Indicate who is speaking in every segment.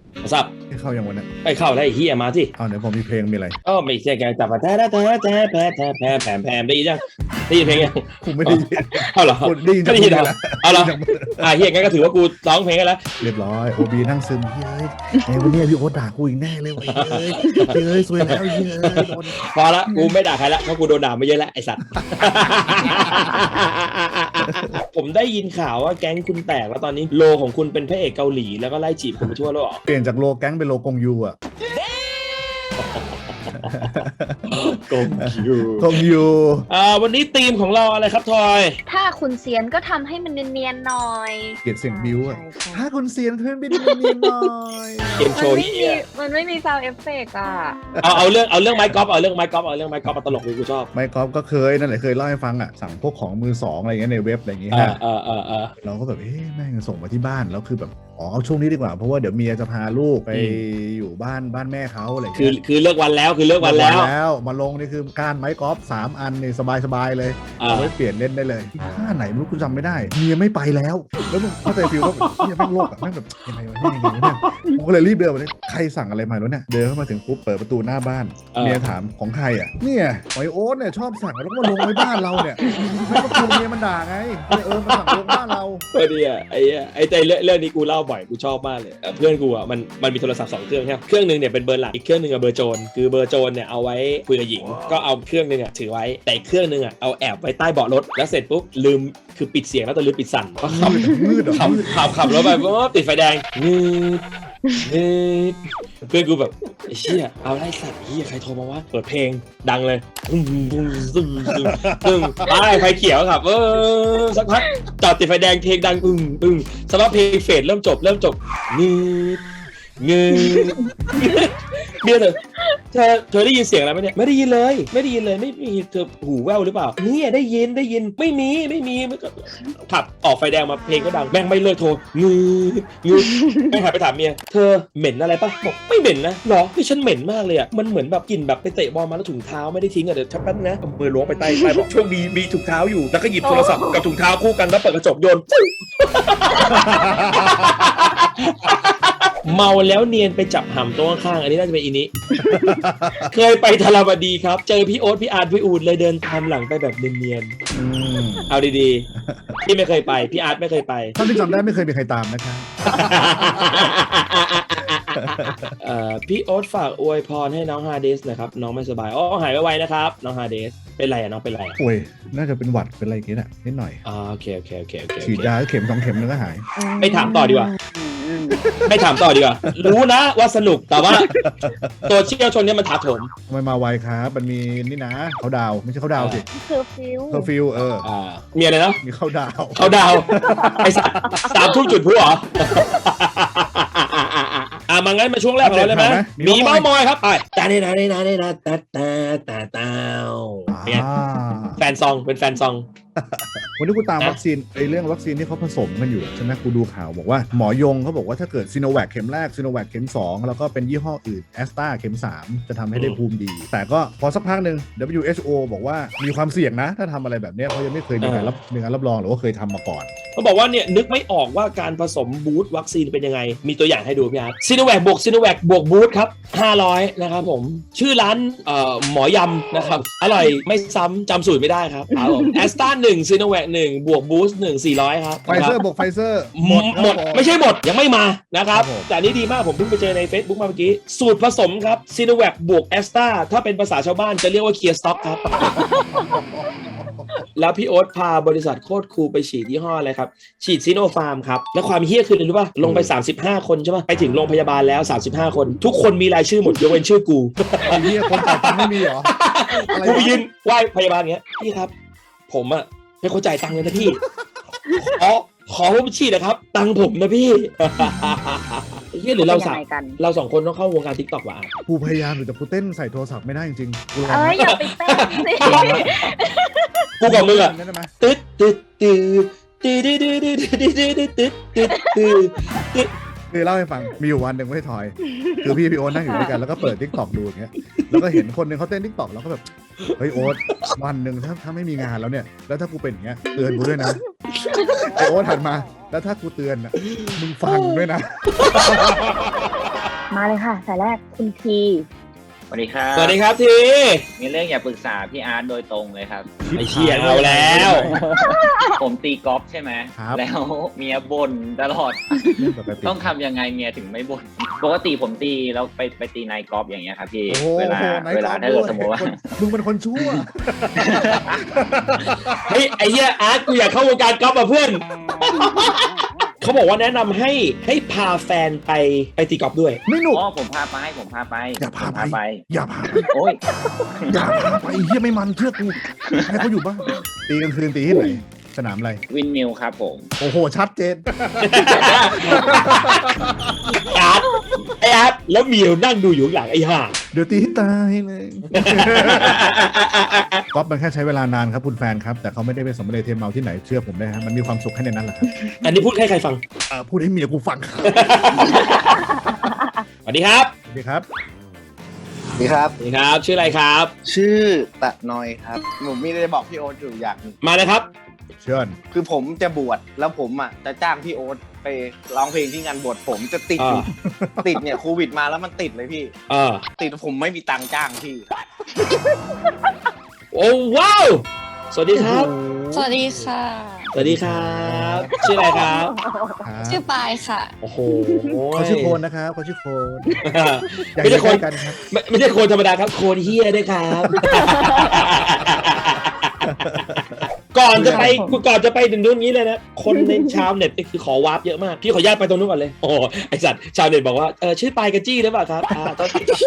Speaker 1: สับ
Speaker 2: ให้เข้าอย่างวันนั้น
Speaker 1: ไปเข้าได้เฮียมาสิ
Speaker 2: เอาเดี๋ยวผมมีเพลงมีอะไร
Speaker 1: ไม่ใช่แกจับมาแท้แท้แท้แท้แท้แท้แผ่แผ่ได้ยินยังได้ยินเพลงยัง
Speaker 2: ผมไม่ได้ยิน
Speaker 1: เอาเหรอ
Speaker 2: ได้ยินจาก
Speaker 1: ได้ยินเหรอเอาเหรอเฮียงั้นก็ถือว่ากูร้องเพลงกันแล้ว
Speaker 2: เรียบร้อยโอบีนั่งซึมเฮ้ยไอ้วันนี้พี่โอ๊ตด่ากูอีกแน่เลยเฮ้ยซวยแล้วเฮ้ยโดน
Speaker 1: พอละกูไม่ด่าใครละเพราะกูโดนด่ามาเยอะแล้วไอสัตว์ผมได้ยินข่าวว่าแก๊งคุณแตกแล้วตอนนี้โลของคุณเป็นพระเอกเกาหลีแล้วก็ไล่จีบคุณไปทั่วโลก
Speaker 2: เปลี่ยนจากโลแก๊งเป็นโลกงยูอ่ะกงยู
Speaker 1: วันนี้ธีมของเราอะไรครับทอย
Speaker 3: ถ้าคุณเซียนก็ทำให้มันเนียนๆหน่อย
Speaker 2: เกลียดเสียงบิวอ่ะถ้าคุณเซียนเพื่อนไปดูเนียนหน่อย
Speaker 1: เกมโชว์
Speaker 3: มันไม่มีซาวด์เอฟเฟกต์อ่ะ
Speaker 1: เอาเรื่องไมค์กอล์ฟเอาเรื่องไมค์กอล์ฟมาตลกเลยกูชอบ
Speaker 2: ไมค์กอล์ฟก็เคยนั่นแหละเคยเล่าให้ฟังอ่ะสั่งพวกของมือสองอะไรเงี้ยในเว็บอะไรอย่างเงี้ยเราก็แบบแม่งส่งมาที่บ้านแล้วคือแบบเอาช่วงนี้ดีกว่าเพราะว่าเดี๋ยวเมียจะพาลูกไปอยู่บ้านแม่เขาอะไร
Speaker 1: คือเลิกวันแล้ว
Speaker 2: มาลงนี่คือการไม้กอล์ฟ3 อันนี่สบายเลยเอาไว้เปลี่ยนเล่นได้เลยท่าไหนไม่รู้กูจำไม่ได้เมียไม่ไปแล้วมึงเข้าใจฟิลว่าเมียแม่งโลกอ่ะแม่งแบบยังไงวะเนี่ยผมก็เลยรีบเดินไปเลยใครสั่งอะไรมาแล้วเนี่ยเดินเข้ามาถึงปุ๊บเปิดประตูหน้าบ้านเมียถามของใครอ่ะเนี่ยไอโอ๊ตเนี่ยชอบสั่งแล้วก็มาลงไว้บ้านเราเนี่ยไม่ก็คือเมียมันด่าไงมาสั่งลงบ้านเรา
Speaker 1: ดีอ่ะไอ้ใจเรื่องนี้กูเล่าบ่อยกูชอบมากเลยเพื่อนกูอ่ะมันมีโทรศัพท์2 เครื่องใช่ไหมเครื่องนึงเนี่ยเป็นเบอร์หลักอีกเครื่องนึงเบอร์โจรคือเบอร์โจรเนี่ยเอาไว้คุยกับหญิงก็เอาเครื่องนึงถือไว้แต่เครื่องนึงเอาแอบไว้ใต้เบาะรถแล้วเสร็จปุ๊บลืมคือปิดเสียงแล้วแต่ลืมปิดสั่นก็ขับรถไปปุ๊บติดไฟแดงเพื่อนกูแบบไอ้เชี่ยเอาไล่สัตว์เฮียใครโทรมาวะเปิดเพลงดังเลยไฟเขียวครับสักพักจอดติดไฟแดงเพลงดังสักพักเพลงเฟดเริ่มจบเงืเบียร์เธอได้ยินเสียงอะไรไหมเนี่ยไม่ได้ยินเลยไม่มีเธอหูแว่วหรือเปล่าเนี่ยได้ยินไม่มีขับออกไฟแดงมาเพลงก็ดังแม่งไม่เลิกโทรงืแม่งหันไปถามเมียเธอเหม็นอะไรปะบอกไม่เหม็นนะหรอพี่ฉันเหม็นมากเลยอ่ะมันเหมือนแบบกลิ่นแบบไปเตะบอลมาแล้วถุงเท้าไม่ได้ทิ้งอ่ะเดี๋ยวชักแป๊บนะมือล้วงไปใต้บอกโชคดีมีถุงเท้าอยู่แล้วก็หยิบโทรศัพท์กับถุงเท้าคู่กันแล้วเปิดกระจกโยนเมาแล้วเนียนไปจับหำตัวข้างอันนี้น่าจะเป็นอีนี้ เคยไปธารวดีครับเจอพี่โอ๊ตพี่อาร์ตพี่อูดเลยเดินตามหลังไปแบบเนียนๆเอาดีๆพี่ไม่เคยไปพี่อาร์ตไม่เคยไป
Speaker 2: ถ้าที่จำได้ไม่เคยมีใครตามนะครับ
Speaker 1: พี่โอ๊ตฝากอวยพรให้น้องฮาเดสนะครับน้องไม่สบายหายไวๆนะครับน้องฮาเดสเป็นไรน้องเป็นไร
Speaker 2: โอ้ยน่าจะเป็นหวัดเป็นอะไรกินอ่ะนิดหน่อย
Speaker 1: โอเค
Speaker 2: ฉีดยาเข็ม2 เข็มแล้วก็หาย
Speaker 1: ไม่ถามต่อดีกว่ารู้นะว่าสนุกแต่ว่าตัวเชี่ยวชนเนี่ยมันถาโถม
Speaker 2: ทำไมมาไวครับมันมีนี่นะเขาดาวไม่ใช่เขาดาวสิ
Speaker 3: เคอร์ฟิว
Speaker 1: มีอะไรนะ
Speaker 2: มีเขาดาว
Speaker 1: ไอ้สัตว์3 ทุ่มจุดพลุเหรอมางั้นมาช่วงแรกของเราเลยไหมมีเมาส์มอยครับไปตาแฟนซองเป็นแฟนซอง
Speaker 2: วันนี้กูตามวัคซีนเรื่องวัคซีนที่เขาผสมกันอยู่ใช่ไหมกูดูข่าวบอกว่าหมอยงเขาบอกว่าถ้าเกิดซีโนแวคเข็มแรกซีโนแวคเข็ม2แล้วก็เป็นยี่ห้ออื่นแอสตราเข็ม3จะทำให้ได้ภูมิดีแต่ก็พอสักพักหนึ่ง WHO บอกว่ามีความเสี่ยงนะถ้าทำอะไรแบบนี้เพราะยังไม่เคยมีการรับรองหรือว่าเคยทำมาก่อน
Speaker 1: เขาบอกว่าเนี่ยนึกไม่ออกว่าการผสมบูสต์วัคซีนเป็นยังไงมีตัวอย่างให้ดูพี่อาร์ตซีโนแวคบวกบูสต์ครับ500นะครับผมชื่อร้านหมอยำนะครับอร่อยไม่ซ้ำจำสูตรไม่ได้ครับแอสตรา1ซีโนแวค1บวกบูสต์1 400ครับ
Speaker 2: ไฟเซอร์บวกไฟเซอร์
Speaker 1: หมดไม่ใช่หมดยังไม่มานะครับแต่นี้ดีมากผมเพิ่งไปเจอใน Facebook มาเมื่อกี้สูตรผสมครับซีโนแวคบวกแอสตราถ้าเป็นภาษาชาวบ้านจะเรียกว่าเคลียร์สต็อกครับแล้วพี่โอ๊ตพาบริษัทโคตรคูลไปฉีดยี่ห้ออะไรครับฉีดซิโนฟาร์มครับแล้วความเฮี้ยคืออะไรรู้ป่ะลงไป35 คนใช่ป่ะไปถึงโรงพยาบาลแล้ว35 คนทุกคนมีรายชื่อหมดยกเว้นชื่อกู
Speaker 2: เฮี้ยคนจ่ายตังค์ไม่มีเหรอ
Speaker 1: กูไปยืนไหว้พยาบาลเงี้ยพี่ครับผมอะไม่เข้าใจตังค์เลยนะพี่ขอผมฉีดนะครับตังค์ผมนะพี่เฮี้ยหรือเรา2 คนต้องเข้าวงการ TikTok ว่ะ
Speaker 2: กูพยายามอยู่แต่กูเต้นใส่โทรศัพท์ไม่ได้จริงๆ
Speaker 3: อย่าไปเต้นสิ
Speaker 1: กูกับมึงอะตึ๊ด
Speaker 2: คือเล่าให้ฟังมีอยู่วันหนึ่งไม่ถอยคือพี่โอ๊ตนั่งอยู่ด้วยกันแล้วก็เปิด TikTok ดูอย่างเงี้ยแล้วก็เห็นคนนึงเขาเต้น TikTok แล้วก็แบบเฮ้ยโอ๊ตวันหนึ่งถ้าไม่มีงานแล้วเนี่ยแล้วถ้ากูเป็นอย่างเงี้ยเตือนกูด้วยนะไอโอ๊ตหันมาแล้วถ้ากูเตือนอ่ะมึงฟังด้วยนะ
Speaker 3: มาเลยค่ะ สายแรกคุณที
Speaker 4: สวัสดีครับ
Speaker 1: สวัสดีครับที
Speaker 4: มีเรื่องอยากปรึกษาพี่อาร์ตโดยตรงเลยครับ
Speaker 1: ไอ้เชี่ยเอาแล้ว
Speaker 4: ผมตีกอล์ฟใช่ไหม
Speaker 2: ครับ
Speaker 4: แล้วเมียบ่นตลอด
Speaker 2: ปกติ
Speaker 4: ต้องทำยังไงเมียถึงไม่บ่นปกติผมตีแล้วไปตีไนท์กอล์ฟอย่างเงี้ยครับพี่
Speaker 2: โอ้โห
Speaker 4: เวลา
Speaker 2: ไหน
Speaker 4: เวลา
Speaker 2: ก่อน
Speaker 4: ถ้าเกิดสมมติว่า
Speaker 2: มึงเป็นคนชั่ว
Speaker 1: เฮ้ยไอ้เหี้ยอาร์ตกูอยากเข้าวงการกอล์ฟอ่ะเพื่อน เขาบอกว่าแนะนำให้พาแฟนไปตีกอล์ฟด้วย
Speaker 2: ไม่หนุก
Speaker 4: อ๋อผมพาไป
Speaker 2: อย่าพา
Speaker 4: ผม
Speaker 2: ไป อย่าพาไป
Speaker 4: โอ้ย
Speaker 2: อย่าพาไปไอ้เหี้ยไม่มันเชื่อกูให้เขาอยู่บ้านตีกลางคืนตีที่ไหนสนามอะไร
Speaker 4: วินมิลครับผม
Speaker 2: โอ้โหชัดเจน
Speaker 1: อาร์ตไอ้อาร์ตแล้วเมียวนั่งดูอยู่ข้างหลังไอ้ห่า
Speaker 2: เดี๋ยวตีให้ตายเลยก๊อฟมันแค่ใช้เวลานานครับคุณแฟนครับ แต่เขาไม่ได้ไปสมเด็จเทียนเมาที่ไหนเชื่อผมได้ฮะมันมีความสุขแค่ในนั้นแหละครับ
Speaker 1: อันนี้พูดให้ใครฟัง
Speaker 2: พูดให้เมียกูฟังครับ
Speaker 1: สวัสดีครับ
Speaker 2: สวัสดีครับ
Speaker 5: สวัสดีครับ
Speaker 1: สวัสดีครับ ชื่ออะไรครับ
Speaker 5: ชื่อตะนอยครับผมมีอะไรบอกพี่โอ๊ตอยู่อย่างหนึ่ง
Speaker 1: มาเลยครับ
Speaker 2: เชิญ
Speaker 5: คือผมจะบวชแล้วผมอ่ะจะจ้างพี่โอ๊ตไปร้องเพลงที่งานบวชผมจะติดอยู่ ติดเนี่ยโควิดมาแล้วมันติดเลยพี่ ติดผมไม่มีตังค์จ้างพี่
Speaker 1: โอ้ว้าวสวัสดีครับ
Speaker 6: สวัสดีค่ะ
Speaker 1: สวัสดีครับ ชื่ออะไรครับ
Speaker 6: ชื่อปายค่ะ
Speaker 1: โอ้โห
Speaker 2: เขาชื่อโคนนะครับเขาชื่อโคนอยาก
Speaker 1: ไม่ใช่
Speaker 2: จะ
Speaker 1: โคน
Speaker 2: ใกล้กันครับ
Speaker 1: ไม่ใช่โคนธรรมดาครับ โคนเฮียด้วยครับ ก่อนจะไปถึงนู้นนี้เลยนะ คนในชาวเน็ตนี่คือขอวาร์ปเยอะมาก พี่ขออนุญาตไปตรงนู้นก่อนเลย โอ้ไอสัตว์ชาวเน็ตบอกว่าชื่อปายกระจี้หรือเปล่าครับต้อง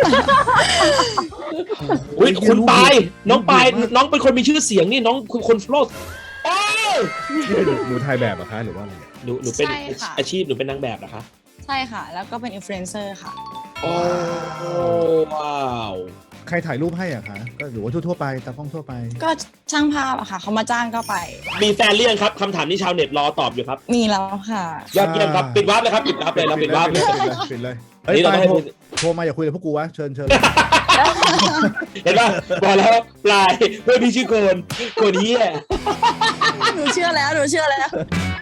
Speaker 1: อุ้ยคุณปายน้องปายน้องเป็นคนมีชื่อเสียงนี่น้องคนโฟล์โอ้
Speaker 2: นี่เป็นหนูถ่ายแบบเหรอคะหรือว่าอะไร
Speaker 1: หนูเป็น
Speaker 6: ใช่ค่ะ
Speaker 1: อาชีพหนูเป็นนางแบบเหรอคะ
Speaker 6: ใช่ค่ะ แล้วก็เป็นอินฟลูเอนเซอร์ค่ะ
Speaker 1: โอ้ว้าว
Speaker 2: ใครถ่ายรูปให้อ่ะคะก็หรือว่าทั่วๆไปตากล้องทั่วไป
Speaker 6: ก็ช่างภาพอะค่ะ เขามาจ้างก็ไป
Speaker 1: มีแฟนเรียงครับคำถามที่ชาวเน็ตรอตอบอยู่ครับ
Speaker 6: มีแล้วค่ะ
Speaker 1: ยอดเยี่ยมครับปิดวาร์ปเลยครับปิดวาร์ปเลยเราปิดวาร์ปเลย
Speaker 2: ปิดเลยเฮ้ย
Speaker 1: นี่เรา
Speaker 2: ไป
Speaker 1: ต้องให้
Speaker 2: โทรมาอย่าคุยกับพวกกูวะเชิญ
Speaker 1: เห็นป่ะบอกแล้วปลายเพื่อนพี่ชื่อโคนเฮีย
Speaker 6: หนูเชื่อแล้ว